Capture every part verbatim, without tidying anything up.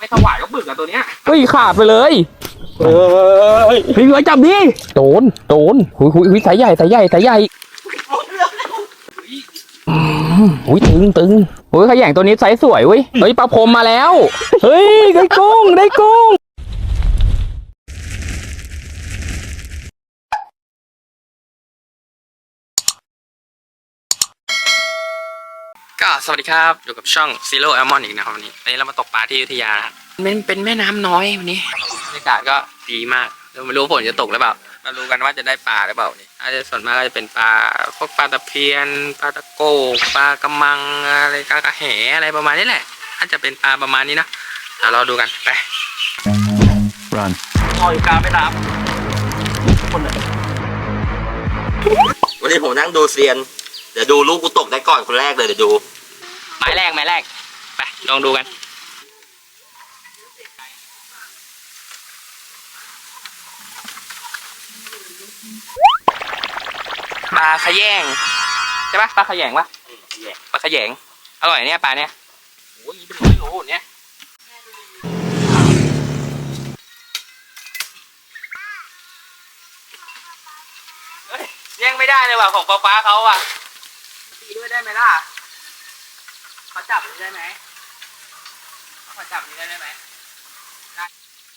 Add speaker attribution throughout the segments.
Speaker 1: ไม่ถวายก็บึกอะตัวเนี้ย
Speaker 2: เฮ้ยขาดไปเลยเฮ้ยพี่ไว้จับดิโดนโดนหุยหุยหุยสายใหญ่สายใหญ่สายใหญ่อุ้ยตึงตึงอุ้ยขย่งตัวนี้ไซส์สวยเว้ยเฮ้ยปลาพรมมาแล้วเฮ้ยได้กุ้งได้กุ้งก็สวัสดีครับอยู่กับช่อง Zero Almond อีกนะครับวันนี้วันนี้เรามาตกปลาที่อยุธยาครับมันเป็นแม่น้ำน้อยวันนี้บรรยากาศก็ดีมากเราไม่รู้ฝนจะตกหรือเปล่ามาดูกันว่าจะได้ปลาหรือเปล่านี่อาจจะส่วนมากก็จะเป็นปลาพวกปลาตะเพียนปลาตะโกปลากระมังอะไรกระแหอะไรประมาณนี้แหละอาจจะเป็นปลาประมาณนี้นะเดี๋ยวเราดูกันไป
Speaker 1: Run ลอยกาไม่รับคนไหน
Speaker 3: วันนี้ผมนั่งดูเซียนเดี๋ยวดูลูกกูตกได้ก่อนคนแรกเลยเดี๋ยวดู
Speaker 2: หมายแรกหมายแรกไปลองดูกันปลาขยงใช่ปะปลาขยงปะปลาขยงอร่อยเนี่ยปลาเนี่ยโอ้ยเป็นร้อยโลเนี่ยแย่งไม่ได้เลยว่ะของฟ้าฟ้าเขาอ่ะตีด้วยได้ไหมล่ะเขาจับนี้ได้ไหมเขาจับนี้ได้ไหมได้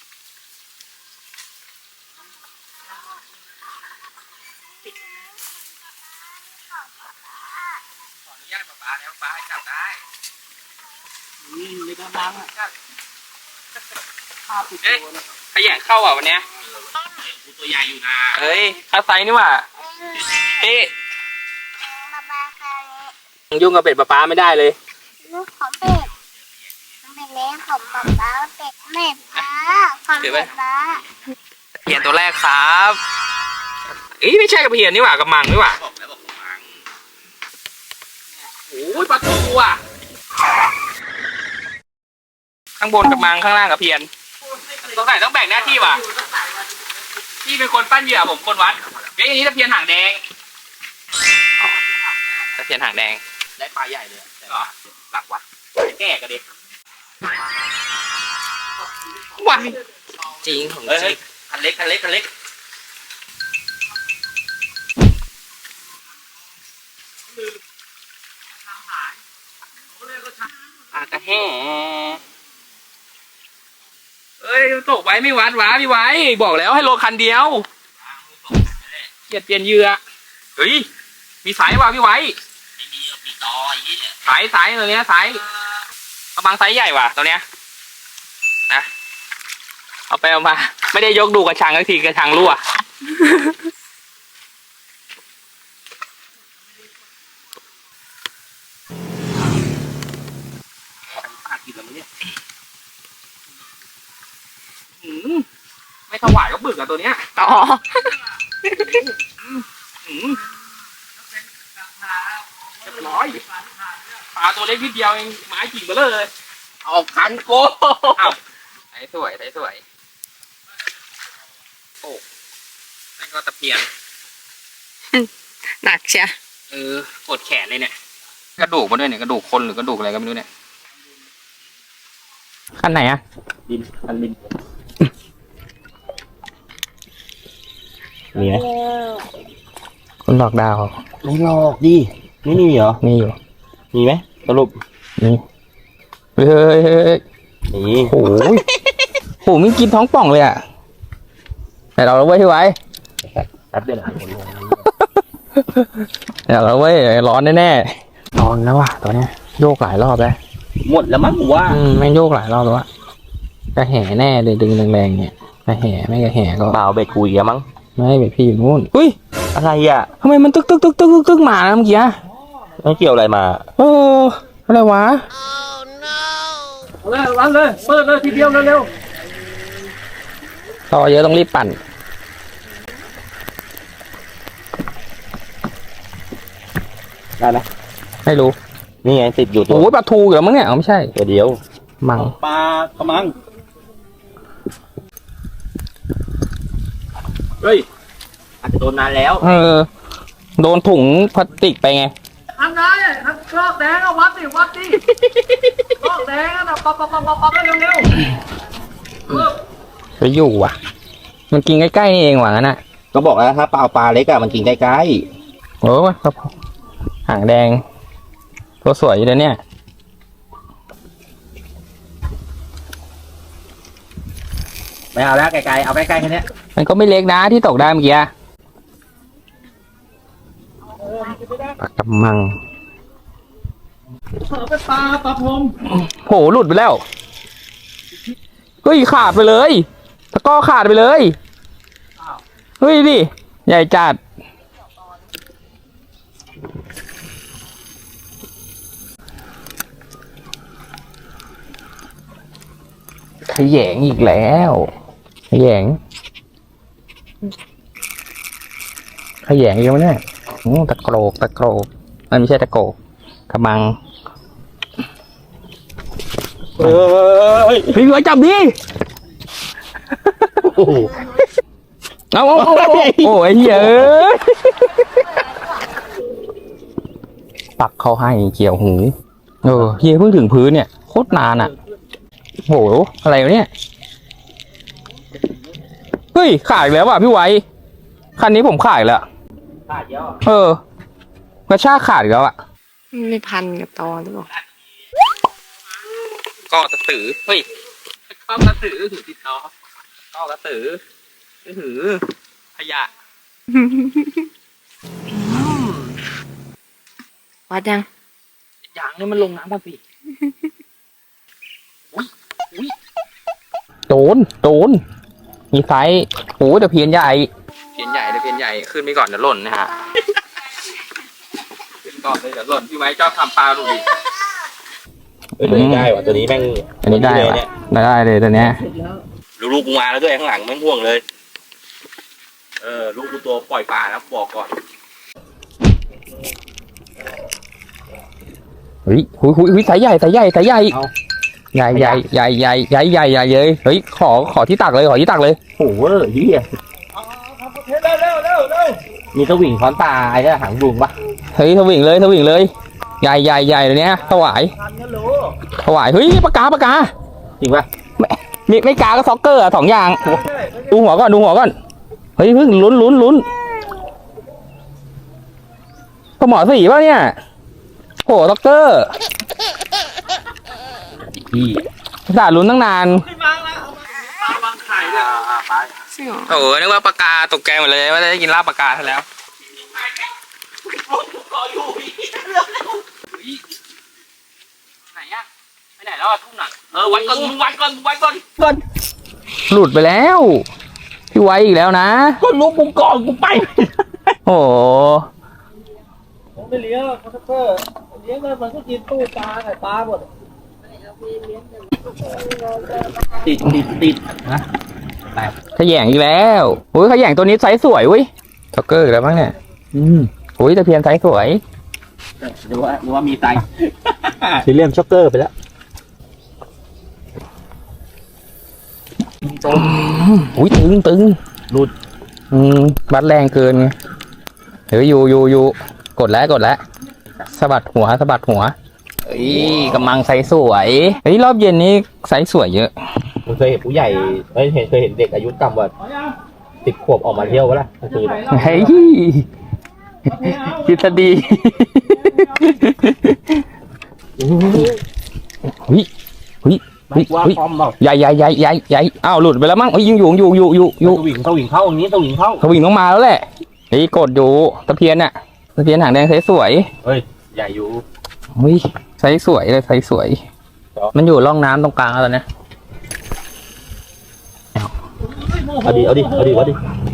Speaker 2: ขออนุญาตป้าป้าแล้วป้าให้จับได้อืมไม่ต้องล้างอ่ะข้าวปิดตัวนะขยันเข้าอ่ะวันเนี้ย
Speaker 3: กูตัวใหญ่อยู่นะ
Speaker 2: เฮ้ยข้าไซนี่ว่ะพี่ยุ่งกับเป็ดป้าป้าไม่ได้เลย
Speaker 4: ลูกของเป็ดเป็นเลี้ยงของป๊าป๊าเป็ดแม่ป๊าของเป็ดป๊า
Speaker 2: เพียนตัวแรกครับเอ้ยไม่ใช่กับเพียนนี่หว่ากับมังนี่หว่า
Speaker 3: บอกแล้วบอกกับมัง
Speaker 2: โอ้ยปลาทูอ่ะข้างบนกับมังข้างล่างกับเพียนตรงไหนต้องแบ่งหน้าที่ว่ะพี่เป็นคนปั้นเหยื่อผมคนวัดเฮ้ยอันนี้ตะเพียนหางแดงตะเพียนหางแดง
Speaker 3: ได้ปลาใหญ่เลยแต่ว่าหลักวัด
Speaker 2: แก่กันดิว้าจริงของจริง
Speaker 3: คันเล็กคันเล็กคันเล็ก
Speaker 2: ปลากระแห่เอ้ยตกไว้ไม่วัดวะพี่ไว้บอกแล้วให้โลคันเดียวเปลี่ยนเปลี่ยนเหยื่อเฮ้ยมีสายว่ะพี่ไว้
Speaker 3: ไม่มีมีตออย่างนี้เนี่ย
Speaker 2: สายสายตัวเนี้ยสายกระบังไซส์ใหญ่ว่ะตัวเนี้ยนะเอาไปเอามาไม่ได้ยกดูกระชังสักทีกระชังรั่ว
Speaker 1: ปลากินแล้วมั้ยเนี่ย
Speaker 2: ไม่ถวายก็บึกอะตัวเนี้ย
Speaker 4: ต่อ
Speaker 2: เรียบร้อยปลาตัวเล็กนิดเดียวเองไม้กิ่งไปเลย
Speaker 3: เอาคันโก้
Speaker 2: ไอ้สวยไอ้สวยโอ้นั่นก็ตะเพียน
Speaker 4: หนักเชีย
Speaker 2: เออกดแขนเลยเนี่ยกระดูกมาด้วยเนี่ยกระดูกคนหรือกระดูกอะไรก็ไม่รู้เนี่ยขั้นไหนอะ
Speaker 3: ดินคันดินมีไหม
Speaker 2: คนหลอกดาว
Speaker 3: ไม่หลอกดิไม่มีเหรอ
Speaker 2: มีอยู่
Speaker 3: มีไหมสรุป
Speaker 2: มีเฮ้ยเฮ้ยเฮ้ย
Speaker 3: นี่
Speaker 2: โอ้โหโหมีกินท้องป่องเลยอ่ะแต่เราเว้ยที่ไว้
Speaker 3: แป๊บเดียวนะ
Speaker 2: เดี๋ยวเราเว้ยร้อนแน่ๆร้อนแล้วว่ะตอนนี้โยกหลายรอบแล้ว
Speaker 3: หมดแล้วมั้งว่า
Speaker 2: อืมไม่โยกหลายรอบแล้วอะกระแห่แน่เลยดึงแรงๆเนี่ยกระแห่ไม่กระแห่ก็
Speaker 3: เปล่าเบ็ดคุยกันมั้ง
Speaker 2: ไม่เบ็ดพี่อยู่นู่นอุ้ย
Speaker 3: อะไรอ่ะ
Speaker 2: ทำไมมันตึกตึกตึกตึกตึกมาเมื่อกี้
Speaker 3: ไม่เกี่ยวอะไรมา
Speaker 2: เอออะไรวะ
Speaker 1: เอาเลยรันเลยเปิดเลยทีเดียวเร็ว
Speaker 2: ๆต่อเยอะต้องรีบปั่น
Speaker 3: ได้ไหม
Speaker 2: ไม่รู้
Speaker 3: นี่ไงติดอยู่ตัว
Speaker 2: โอ้ยปลาทูเหรอมั้งเนี่ยไม่ใช่
Speaker 3: ตัวเดียว
Speaker 2: มัง
Speaker 1: ปลากระมังเฮ้ย
Speaker 3: อาจจะโดนนานแล้ว
Speaker 2: เออโดนถุงพลาสติกไปไง
Speaker 1: ทำไงลอกแดงอะวัดดิวัดดิลอกแดงอะปับปับปับปับปับเร็วเร็ว
Speaker 2: ไปอยู่ว่ะ มันกินใกล้ๆนี่เองหวังน่ะ
Speaker 3: ก็บอกแล้วถ้าปลาปลาเล็กอะมันกินใกล้
Speaker 2: โอ้ยครับหางแดงตัวสวยอยู่เลยเนี่ย
Speaker 3: ๆไม่เอาแล้วไกลๆเอาใกล้ๆแค่นี้
Speaker 2: มันก็ไม่เล็กนะที่ตกได้เมื่อกี้ปลากระมัง
Speaker 1: เสือเป็นปลาปลาพรม
Speaker 2: โหหลุดไปแล้วเฮ้ยขาดไปเลยตะกร้อขาดไปเลยเฮ้ยดิใหญ่จัดขยงอีกแล้วขยงขยงอีกแล้วเนี่ยอืมตะโกรกตะโกรกมันไม่ใช่ตะโกรกกระมัง
Speaker 3: เฮ้ย
Speaker 2: พี่หัวจับดิ
Speaker 3: โอ้โห
Speaker 2: เอาเอาเอาเอาโอ้ยเหี้ยเอ้ยปักเข้าให้เกี่ยวหูเออเฮียเพิ่งถึงพื้นเนี่ยโคตรนานอ่ะโหอะไรวะเนี่ยเฮ้ยขาดอีกแล้วว่ะพี่ไว้คันนี้ผมขาดอีกแล้ว
Speaker 3: ขาดเยอะ
Speaker 2: เออกระชากขาดอีกแล้วอ่ะ
Speaker 5: ไม่พันกับตอหรือเปล่า
Speaker 2: ก็กระสือเฮ้ยก็กระสือถือติดต่อก็กระสือถือขยะ
Speaker 5: วัดยัง
Speaker 2: อย่างนี้มันลงน้ำป่ะพี่โดนโดนมีไซส์โอ้แต่เพียนใหญ่เพียนใหญ่แต่เพียนใหญ่ขึ้นไปก่อนเดี๋ยวหล่นนะฮะขึ้นก่อนเลยเดี๋ยวหล่นพี่ไว้ชอบทำปลาดูดิ
Speaker 3: เฮ้ยตัวนี้ได้ว่ะตัวนี้แม่ง
Speaker 2: อันนี้ได้
Speaker 3: เลย
Speaker 2: ปะ
Speaker 3: เนี่ย
Speaker 2: ได้เลยตัวเนี้ย
Speaker 3: ลูกกูมาแล้วด้วยข้างหลังแม่งห่วงเลยเออลูกกูตัวปล่อยปลาแล้วบอกก่อน
Speaker 2: เฮ้ยหุยหุยหุยสายใหญ่สายใหญ่สายใหญ่ใหญ่ใหญ่ใหญ่ใหญ่ใหญ่ใหญ่ใหญ่เลยเฮ้ยขอขอที่ตักเลยขอที่ตักเลย
Speaker 3: โอ้โหเฮีย
Speaker 1: เร็วเร็วเร็วเร็ว
Speaker 3: มีสวิงค้อนปลาไอ้เนี่ยหางบุงปะ
Speaker 2: เฮ้ยทวิ่งเลยทวิ่งเลยใหญ่ใหญ่ใหญ่เลยเนี้ยถวาย
Speaker 1: ทันกันรู้
Speaker 2: ถวายเฮ้ยปากกาปากกา
Speaker 3: จริงปะ
Speaker 2: ไม่ไม่กาก็ซ็อกเกอร์อะสองอย่างดูหัวก่อนดูหัวก่อนเฮ้ยเพิ่งลุ้นลุ้นลุ้นปลาหมอสีป่ะเนี่ยโหซ็อกเกอร์พี่สาลุ้นตั้งนาน
Speaker 1: ขึ้นมาแล้วปลาวางไข่เลย
Speaker 5: ใช่หรอ
Speaker 2: โอ้โหนึกว่าปากกาตกแกงหมดเลยว่าจะได้กินลาบปากกาซะแล้วไหนอะไปไหนแล้วอะทุ่งหนักเออวัดก่อนวัดก่อนวัดก่อนก่อนหลุดไปแล้วพี่ไว้อีกแล้วนะ
Speaker 3: ก็ลูกกูก่อนกูไป
Speaker 2: โอ้โห
Speaker 1: ผมไม่เลี้ยงคอนเตอร์เลี้ยงเลยมันก็กินตู้ปลาไข่ปลาหมด
Speaker 3: ติดติดติดนะ
Speaker 2: ขยงอีกแล้วโอ้ยขยงตัวนี้ไซส์สวยเว้ยซ็อกเกอร์อีกแล้วมั้งเนี่ย
Speaker 3: อืม
Speaker 2: โอ้ยตะเพียนไซส์สวย
Speaker 3: หรือว่าหรือว่ามีไตซีเรียมช็อกเกอร์ไปแล้ว
Speaker 2: อุ้ยตึงตึง
Speaker 3: หลุด
Speaker 2: อืมบัดแรงเกินไงเฮ้ยอยู่อยู่อยู่กดแล้วกดแล้วสะบัดหัวสะบัดหัวเฮ้ยกำลังไซส์สวยเฮ้ยรอบเย็นนี้ไซส์สวยเยอะ
Speaker 3: ผมเคยเห็นผู้ใหญ่เอ้ยเห็นเคยเห็นเด็กอายุต่ำกว่าสิบขวบออกมาเที่ยววะล่ะกลางคืน
Speaker 2: เฮ้ยทฤษฎีเฮ้ยเฮ้ยเฮ้ย
Speaker 3: ว่า
Speaker 2: เฮ้ย
Speaker 3: พร้อมเปล่า
Speaker 2: ใหญ่ใหญ่ใหญ่ใหญ่ใหญ่อ้าวหลุดไปแล้วมั้งเฮ้ยยิงอยู่อยู่อยู่อยู่อยู่
Speaker 3: สวิงสวิงเข้าอย่างนี้สวิงเข้า
Speaker 2: ทวิงต้องมาแล้วแหละเฮ้ยกดอยู่ตะเพียนน่ะตะเพียนหางแดงไซส์สวย
Speaker 3: เฮ้ยใหญ่อยู่
Speaker 2: เฮ้ยไซส์สวยเลยไซส์สวย มันอยู่ร่องน้ำตรงกลางแล้วตอนเนี้ย
Speaker 3: เอาดิเอาดิเอาดิเอาดิ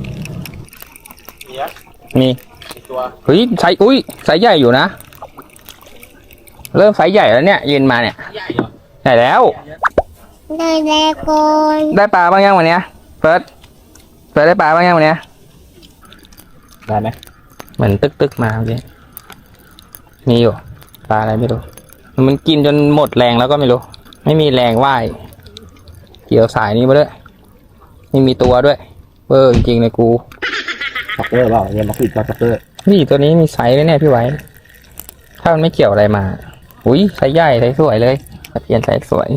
Speaker 2: มี
Speaker 3: ตัว
Speaker 2: เฮ้ยไซส์อุ้ยไซส์ใหญ่อยู่นะเริ่มไซส์ใหญ่แล้วเนี่ยยืนมาเนี่ย
Speaker 3: ใหญ่เหรอ
Speaker 2: ใหญ่แล้ว
Speaker 4: เลยแลโกน
Speaker 2: ได้ปลาบ้างยังวันเนี้ยเฟิร์สเฟิร์สได้ปลาบ้างยังวันเนี้ย
Speaker 3: ได้ไหม
Speaker 2: เหมือนตึกตึกๆมาเมื่อกี้มีอยู่ปลาอะไรไม่รู้มันกินจนหมดแรงแล้วก็ไม่รู้ไม่มีแรงว่ายเกี่ยวสายนี้มาด้วยไม่มีตัวด้วยเออจริงๆเลยกู
Speaker 3: ช็อกเกอร์เปล่าเรียนมาคุยกับช็อกเกอร์
Speaker 2: นี่ตัวนี้มีไซส์ด้วยเนี่ยพี่ไว้ถ้ามันไม่เกี่ยวอะไรมา อุ้ยไซส์ใหญ่ไซส์สวยเลยตะเพียนไซส์สวย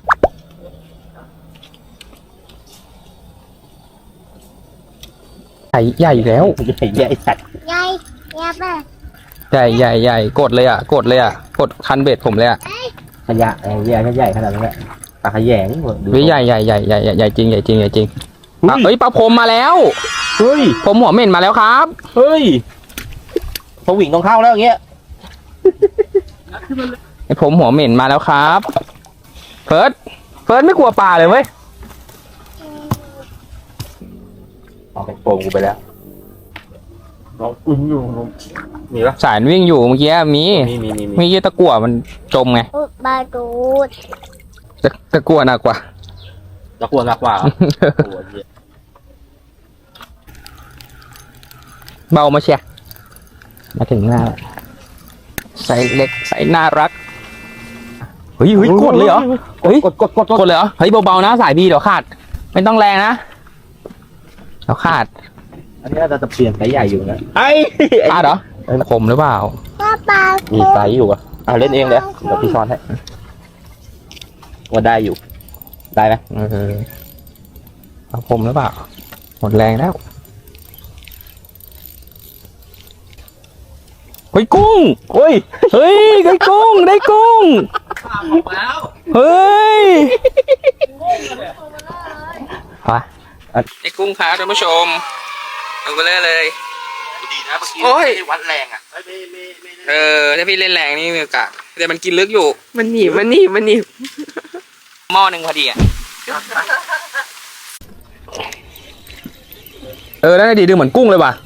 Speaker 2: ใหญ่ใหญ่แล้ว
Speaker 3: ใหญ่ใหญ่สัตว์
Speaker 4: ยายยายป่ะ
Speaker 2: ใหญ่ใหญ่ใหญ่กดเลยอ่ะกดเลยอ่ะกดคันเบ็ดผมเลยอ่ะ
Speaker 3: ขยะไอ้ใหญ่ใหญ่ขนาดนั้นแหละปลาขยงดู
Speaker 2: วิใหญ่ใหญ่ใหญ่ใหญ่ใหญ่ใหญ่จริงใหญ่จริงใหญ่จริงอ่ะเอ้ยปลาพรมมาแล้ว
Speaker 3: เฮ้ย
Speaker 2: ผมหัวเหม็นมาแล้วครับ
Speaker 3: เฮ้ยสวิงต้องเข้าแล้วอย่างเงี้ย
Speaker 2: ไอผมหัวเหม็นมาแล้วครับเฟิร์สเฟิร์สไม่กลัวปลาเลยเว้ย
Speaker 3: เอาไปโป่งกูไปแล้วน้องอึ้งอยู่น้องมีปะ
Speaker 2: สายวิ่งอยู่เมื่อกี้มี
Speaker 3: มีมีมีมี
Speaker 2: เมื่อกี้ตะกั่วมันจมไง
Speaker 4: อุบาดูด
Speaker 2: ตะตะกั่วหนักกว่า
Speaker 3: ตะกลัวหนักกว่าโอ้ยเหี้ย
Speaker 2: เบามาเชียร์มาถึงหน้าแล้วใส่เล็กใส่น่ารักเฮ้ยเฮ้ยกดเลยเหรอเฮ้ย
Speaker 3: กดกดกดก
Speaker 2: ก
Speaker 3: ด
Speaker 2: ดเลยเหรอเฮ้ยเบาๆนะสายพี่เดี๋ยวขาด ไม่ต้องแรงนะเดี๋ยวขาด
Speaker 3: อันนี้เราจะเปลี่ยนไซส์ใหญ่อยู่นะไอ้
Speaker 2: ขาดเหรอคมหรือเปล่า
Speaker 4: ป้าปลา
Speaker 3: มีไซส์อยู่อ่ะอ่ะเล่นเองเลยเดี๋ยวพี่ช้อนให้ว่าได้อยู่ ได้ไหม
Speaker 2: เออเอาคมหรือเปล่าหมดแรงแล้วเฮ้ยกุ้ง
Speaker 3: โอ้ย
Speaker 2: เฮ้ยได้กุ้งได้กุ้ง
Speaker 1: ข้ามออกแล้ว
Speaker 2: เฮ้ยไปไอ้กุ้งครับท่านผู้ชมเอาไปเลยเลย
Speaker 3: ดีนะเมื่อกี้
Speaker 2: โอ้ย
Speaker 3: วัดแรงอ่ะไม่ไม่ไม่ไม่
Speaker 2: เออถ้าพี่เล่นแรงนี่มีโอกาสแต่มันกินลึกอยู่
Speaker 5: มันหนีบมันหนีบมันหนีบ
Speaker 2: หม้อหนึ่งพอดีอ่ะเออได้ดีดูเหมือนกุ้งเลยว่ะ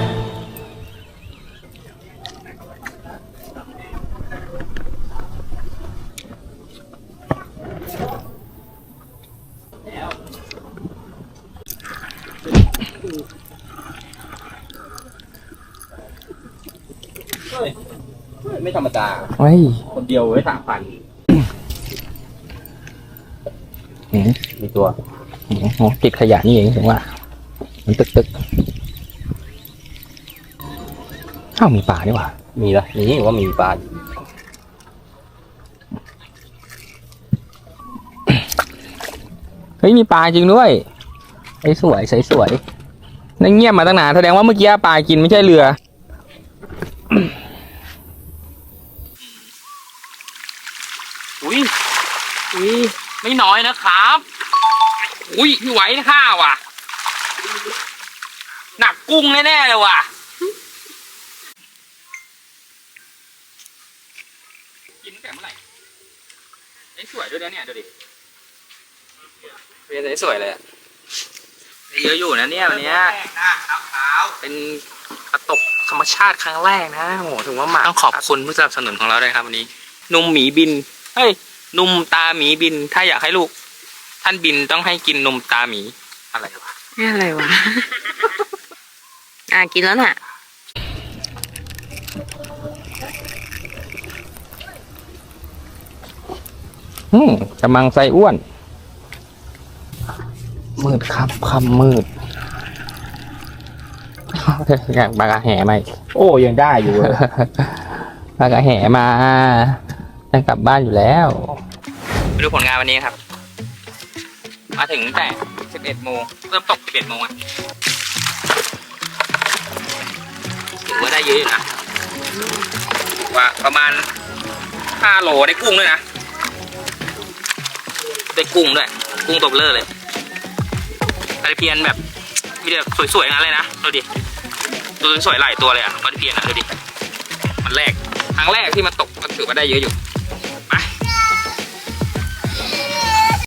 Speaker 3: ไม่ธรรมดา
Speaker 2: เฮ้ย
Speaker 3: คนเดียวไว้สามพัน
Speaker 2: อืม
Speaker 3: มีตัว
Speaker 2: โอ้โหติดขยะนี่เองถึงว่า มันตึกตึกอ้าวมีป่านี่หว่า
Speaker 3: มีละนี่ว่ามีปลา
Speaker 2: เฮ้ยมีปลาจริงด้วยใสสวยใสสวยนั่งเงียบมาตั้งนานแสดงว่าเมื่อกี้ปลากินไม่ใช่เรืออุ้ยอุ้ยไม่น้อยนะครับอุ้ยพี่ไหวข้าว่ะหนักกุ้งแน่ๆเลยว่ะกินตั้งแต่เมื่อไหร่ไอ้สวยด้วยนะเนี่ยดูดิเป็นสวยเลยอะเยอะอยู่นะเนี่ยวันเนี้ยเป็นกระตกธรรมชาติครั้งแรกนะโหถึงว่ามาต้องขอบคุณผู้สนับสนุนของเราด้วยครับวันนี้นุ่มหมีบินเฮ้ยนุ่มตาหมีบินถ้าอยากให้ลูกท่านบินต้องให้กินนมตาหมีอะไรวะ
Speaker 5: นี่อะไรวะ อ่ะกินแล้วน่ะ
Speaker 2: อืมกำลังไส้อ้วนมืดครับคำมืดอยากปลากระแห่ไหม
Speaker 3: โอ้ยังได้อยู่เลย
Speaker 2: ปลากระแห่มาจะกลับบ้านอยู่แล้วไปดูผลงานวันนี้ครับ มาถึงแต่สิบเอ็ดโมงเริ่มตกสิบเอ็ดโมงอ่ะถือว่าได้เยอะอยู่นะว่าประมาณห้าโลได้กุ้งด้วยนะได้กุ้งด้วยกุ้งตบเลอเลยปลาตะเพียนแบบมีแต่สวยๆงั้นเลยนะดูดิตัวสวยๆหลายตัวเลยอ่ะปลาตะเพียนอ่ะดูดิมันแรกครั้งแรกที่มันตกก็ถือว่าได้เยอะอยู่